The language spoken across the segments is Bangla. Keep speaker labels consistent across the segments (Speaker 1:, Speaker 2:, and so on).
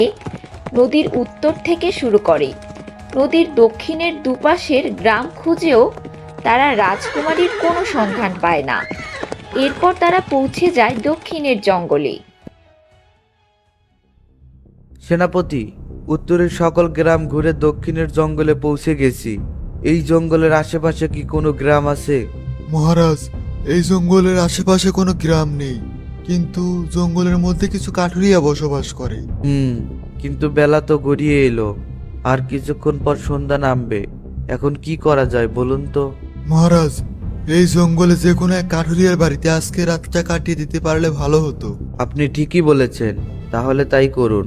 Speaker 1: নদীর উত্তর থেকে শুরু করে। নদীর দক্ষিণের দুপাশের গ্রাম খুঁজেও তারা রাজকুমারীর কোনো সন্ধান পায় না। এরপর তারা পৌঁছে যায় দক্ষিণের জঙ্গলে।
Speaker 2: সেনাপতি, উত্তরের সকল গ্রাম ঘুরে দক্ষিণের জঙ্গলে পৌঁছে গেছি। এই জঙ্গলের আশেপাশে কি কোনো গ্রাম আছে?
Speaker 3: মহারাজ, এই জঙ্গলের আশেপাশে কোনো গ্রাম নেই, কিন্তু জঙ্গলের মধ্যে কিছু কাঠুরিয়া বসবাস করে।
Speaker 2: কিন্তু বেলা তো গড়িয়ে এলো, আর কিছুক্ষণ পর সন্ধ্যা নামবে। এখন কি করা যায় বলুন তো?
Speaker 3: মহারাজ, এই জঙ্গলে যে কোনো এক কাঠুরিয়ার বাড়িতে আজকে রাতটা কাটিয়ে দিতে পারলে ভালো হতো।
Speaker 2: আপনি ঠিকই বলেছেন, তাহলে তাই করুন।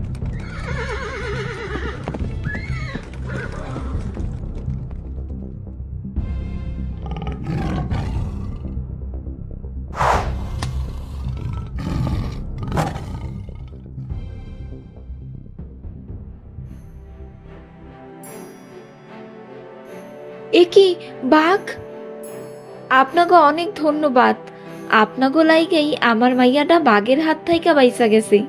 Speaker 1: এ কি বাঘ! আপনাকে অনেক ধন্যবাদ। আপনাকে লাইগেই আমার মাইয়াটা বাঘের হাত থেকে বাইসা গেছে।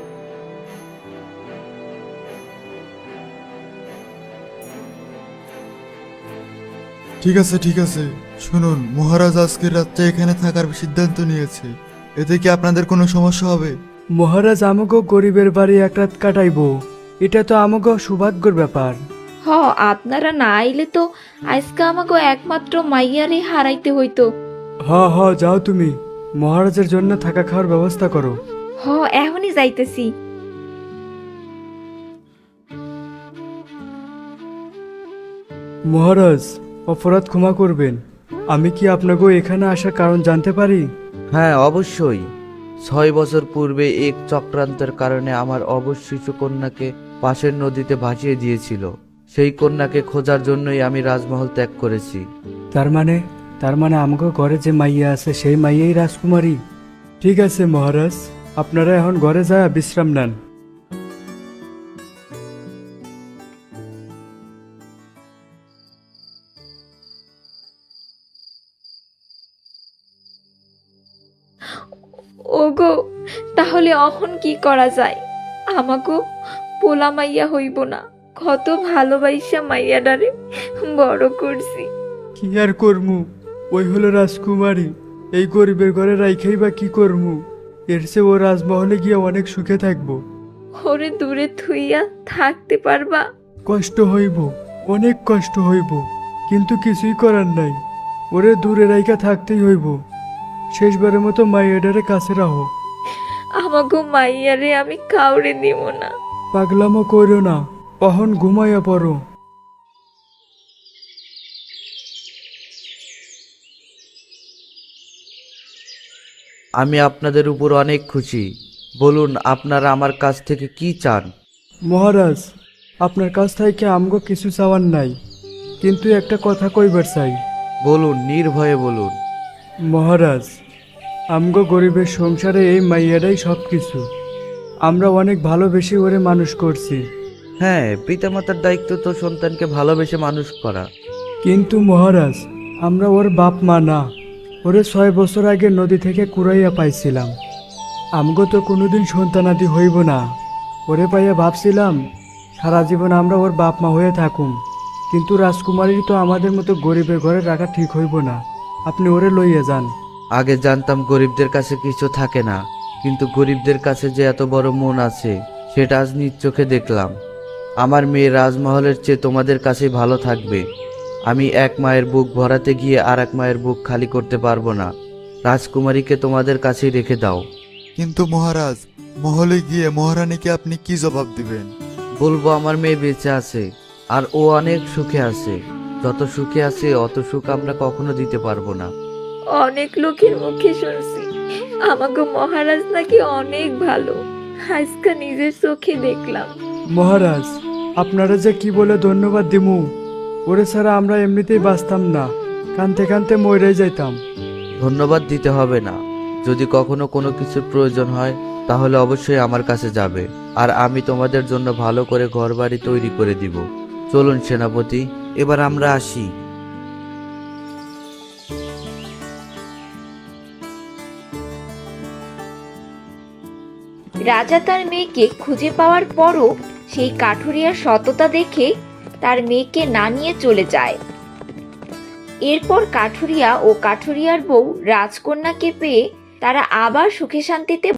Speaker 3: ঠিক আছে, ঠিক আছে, শুনুন, মহারাজ আজকের রাতটা এখানে থাকার সিদ্ধান্ত নিয়েছে। এতে কি আপনাদের কোনো সমস্যা হবে?
Speaker 4: মহারাজ আমাকেও গরিবের বাড়ি এক রাত কাটাইবো, এটা তো আমাকেও সৌভাগ্যের ব্যাপার।
Speaker 1: হ, আপনারা না আইলে তো আজকে আমাকে একমাত্র মাইয়ারে হারাইতে হইতো।
Speaker 4: হ যাও তুমি, মহারাজের জন্য থাকা খাওয়ার ব্যবস্থা করো।
Speaker 1: হ, এখনই যাইতেছি।
Speaker 4: মহারাজ, অপরাধ ক্ষমা করবেন, আমি কি আপনাকেও এখানে আসার কারণ জানতে পারি?
Speaker 2: হ্যাঁ, অবশ্যই। 6 বছর পূর্বে এক চক্রান্তের কারণে আমার অবশ শিশু কন্যাকে পাশের নদীতে ভাসিয়ে দিয়েছিল। সেই কন্যাকে খোঁজার জন্যই আমি রাজমহল ত্যাগ করেছি।
Speaker 4: তার মানে আমাকে ঘরে যে মাইয়া আছে সেই মাইয়াই রাজকুমারী। ঠিক আছে মহারাজ, আপনারা এখন ঘরে যায় বিশ্রাম নেন।
Speaker 1: ওগো, তাহলে অহন কি করা যায়? আমাকে পোলা মাইয়া হইব না, কত ভালোবাসা মাইয়াডারে বড় করছি।
Speaker 4: কি আর করমু, ওই হলো রাজকুমারী, এই গরিবের ঘরে রাইখাই বা কি করমু? এর চেয়ে ও রাজমহলে গিয়ে অনেক সুখে থাকবো।
Speaker 1: ওরে দূরে থুইয়া থাকতে পারবা?
Speaker 4: কষ্ট হইব, অনেক কষ্ট হইব, কিন্তু কিছুই করার নাই, ওরে দূরে রাইখা থাকতেই হইব। শেষবারের মতো মাইয়াডারে কাছে রাখো।
Speaker 1: আমাকে মাইয়ারে আমি কাউরে দিব না।
Speaker 4: পাগলামো কইরো না, অহন ঘুমাইয়া পড়ো।
Speaker 2: আমি আপনাদের উপর অনেক খুশি। বলুন, আপনারা আমার কাছ থেকে কি চান?
Speaker 4: মহারাজ, আপনার কাছ থেকে আমগো কিছু চাওয়ার নাই, কিন্তু একটা কথা কইবার চাই।
Speaker 2: বলুন, নির্ভয়ে বলুন।
Speaker 4: মহারাজ, আমগো গরিবের সংসারে এই মাইয়াটাই সব কিছু। আমরা অনেক ভালোবেসে ওরে মানুষ করছি।
Speaker 2: হ্যাঁ, পিতামাতার দায়িত্ব তো সন্তানকে ভালোবেসে মানুষ করা।
Speaker 4: কিন্তু মহারাজ, আমরা ওর বাপ মা না, ওরে 6 বছর আগে নদী থেকে কুড়াইয়া পাইছিলাম। আমগো তো কোনোদিন সন্তানাদি হইব না। ওরে পাইয়া ভাবছিলাম সারা জীবন আমরা ওর বাপ মা হয়ে থাকুম, কিন্তু রাজকুমারীর তো আমাদের মতো গরিবের ঘরে রাখা ঠিক হইব না। আপনি ওরে লইয়া যান।
Speaker 2: আগে জানতাম গরিবদের কাছে কিছু থাকে না, কিন্তু গরিবদের কাছে যে এত বড় মন আছে সেটা আজ নিজ চোখে দেখলাম। আমার মেয়ে রাজমহলের চেয়ে তোমাদের কাছেই ভালো থাকবে। আমি এক মায়ের বুক ভরাতে গিয়ে আর এক মায়ের বুক খালি করতে পারবো না। রাজকুমারীকে তোমাদের কাছেই রেখে দাও।
Speaker 3: কিন্তু মহারাজ, মহলে গিয়ে মহারানীকে আপনি কি জবাব দিবেন?
Speaker 2: বলবো আমার মেয়ে বেঁচে আছে, আর ও অনেক সুখে আছে। যত সুখে আছে অত সুখ আমরা কখনো দিতে পারবো না।
Speaker 1: অনেক লোকের মুখে শুনছি আমাকে মহারাজ নাকি অনেক ভালো, আজকে নিজের চোখে দেখলাম।
Speaker 4: মহারাজ, আপনারা যে কি বলে ধন্যবাদ দিমু, ওরে ছাড়া আমরা এমনিতেই বাঁচতাম না, কানতে কানতে মরে যাইতাম।
Speaker 2: ধন্যবাদ দিতে হবে না। যদি কখনো কোনো কিছুর প্রয়োজন হয় তাহলে অবশ্যই আমার কাছে যাবে, আর আমি তোমাদের জন্য ভালো করে ঘরবাড়ি তৈরি করে দিব। চলুন সেনাপতি, এবার আমরা আসি।
Speaker 1: রাজা তার মেয়েকে খুঁজে পাওয়ার পরও সেই কাঠুরিয়ার সততা দেখে তার মেয়েকে না নিয়ে চলে যায়। এরপর কাঠুরিয়া ও কাঠুরিয়ার বউ রাজকন্যাকে পেয়ে তারা আবার সুখে শান্তিতে